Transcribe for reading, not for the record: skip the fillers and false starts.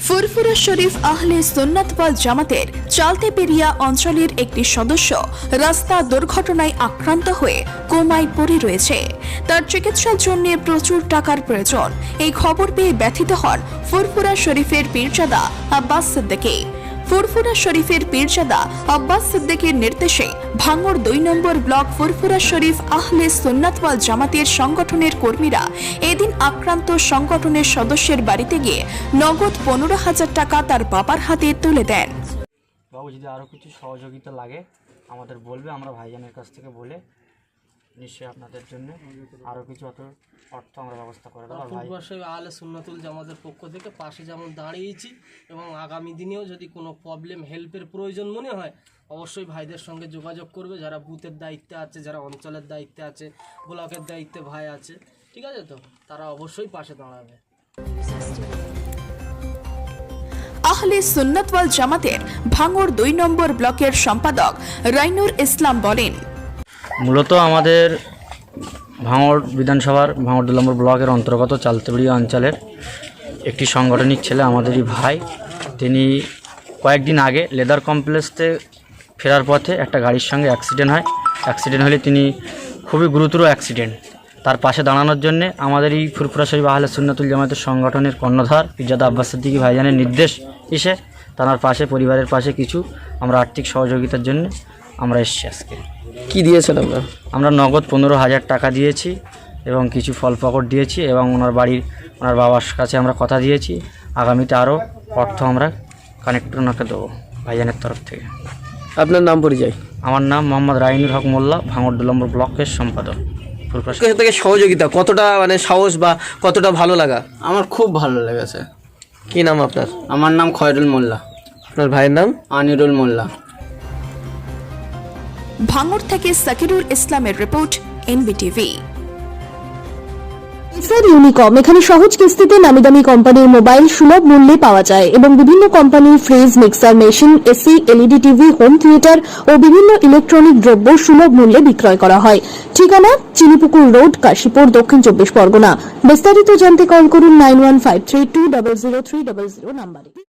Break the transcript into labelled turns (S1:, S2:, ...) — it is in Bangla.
S1: ফুরফুরা শরীফ আহলে সুন্নাত ওয়াল জামাতের চালতেপেরিয়া অঞ্চলের একটি সদস্য রাস্তা দুর্ঘটনায় আক্রান্ত হয়ে কোমায় পড়ে রয়েছে। তার চিকিৎসার জন্য প্রচুর টাকার প্রয়োজন। এই খবর পেয়ে ব্যথিত হন ফুরফুরা শরীফের পীরজাদা আব্বাস সিদ্দিকী। ফুরফুরা শরীফের পীরজাদা আব্বাস সিদ্দিকীর নির্দেশে ভাঙড় ২ নম্বর ব্লক ফুরফুরা শরীফ আহলে সুন্নাত ওয়াল জামাতের সংগঠনের কর্মীরা এদিন আক্রান্ত সংগঠনের সদস্যের বাড়িতে গিয়ে নগদ ১৫,০০০ টাকা তার বাবার হাতে তুলে দেন।
S2: বাবু, যদি আরও কিছু সহযোগিতা লাগে আমাদের বলবে, আমরা ভাইজানের কাছ থেকে বলে নিশ্চয়ই আপনাদের জন্য আরও কিছু অর্থ আমরা ব্যবস্থা করে দেবো।
S3: ফুরফুরা শরীফ আহলে সুন্নাতুল জামাতের পক্ষ থেকে পাশে যেমন দাঁড়িয়েছি এবং আগামী দিনেও যদি কোনো প্রবলেম হেল্পের প্রয়োজন মনে হয় অবশ্যই ভাইদের সঙ্গে যোগাযোগ করবে। যারা বুথের দায়িত্বে আছে, যারা অঞ্চলের দায়িত্বে আছে, ব্লকের দায়িত্বে ভাই আছে, ঠিক আছে তো, তারা অবশ্যই পাশে দাঁড়াবে।
S1: আহলে সুন্নাত ওয়াল জামাতের ভাঙড় ২ নম্বর ব্লকের সম্পাদক রাইনুর ইসলাম বলেন,
S2: মূলত আমাদের ভাঙড় বিধানসভার ভাঙড় ২ নম্বর ব্লকের অন্তর্গত চালতেপেরিয়া অঞ্চলের একটি সাংগঠনিক ছেলে, আমাদেরই ভাই। তিনি কয়েকদিন আগে লেদার কমপ্লেক্সে ফেরার পথে একটা গাড়ির সঙ্গে অ্যাক্সিডেন্ট হয়। অ্যাক্সিডেন্ট হলে তিনি খুবই গুরুতর অ্যাক্সিডেন্ট। তার পাশে দাঁড়ানোর জন্যে আমাদের এই ফুরফুরা শরীফ আহলে সুন্নাতুল জামাতের সংগঠনের কর্ণধার পীরজাদা আব্বাস সিদ্দিকী ভাইজানের নির্দেশ এসে তার পাশে, পরিবারের পাশে কিছু আমরা আর্থিক সহযোগিতার জন্য আমরা এসেছি। আজকে
S4: কি দিয়েছেন
S2: আমরা নগদ ১৫,০০০ টাকা দিয়েছি এবং কিছু ফল পাকড় দিয়েছি এবং ওনার বাবার কাছে আমরা কথা দিয়েছি আগামীতে আরও অর্থ আমরা কানেক্ট ওনাকে দেবো ভাইজানের তরফ থেকে।
S4: আপনার নাম পরিচয়?
S2: আমার নাম মোহাম্মদ রাইনুর হক মোল্লা, ভাঙড় ২ নম্বর ব্লকের সম্পাদক।
S4: থেকে সহযোগিতা কতটা সাহস বা কতটা ভালো লাগা?
S5: আমার খুব ভালো লেগেছে।
S4: কি নাম আপনার?
S5: আমার নাম খয়রুল মোল্লা।
S4: আপনার ভাইয়ের নাম?
S5: আনিরুল মোল্লা।
S1: ভাঙড় থেকে সাকিরুল ইসলামের রিপোর্ট, এনবিটিভি।
S6: এসআর ইউনিকম এখানে সহজ কিস্তিতে নামি দামি কোম্পানির মোবাইল সুলভ মূল্যে পাওয়া যায় এবং বিভিন্ন কোম্পানির fridge, mixer machine, AC, LED TV, home theatre ও বিভিন্ন ইলেকট্রনিক দ্রব্য সুলভ মূল্যে বিক্রয় করা হয়। ঠিকানা চিনিপুকুর রোড, কাশীপুর, দক্ষিণ ২৪ পরগনা। বিস্তারিত জানতে কল করুন 9153200300 নাম্বারে।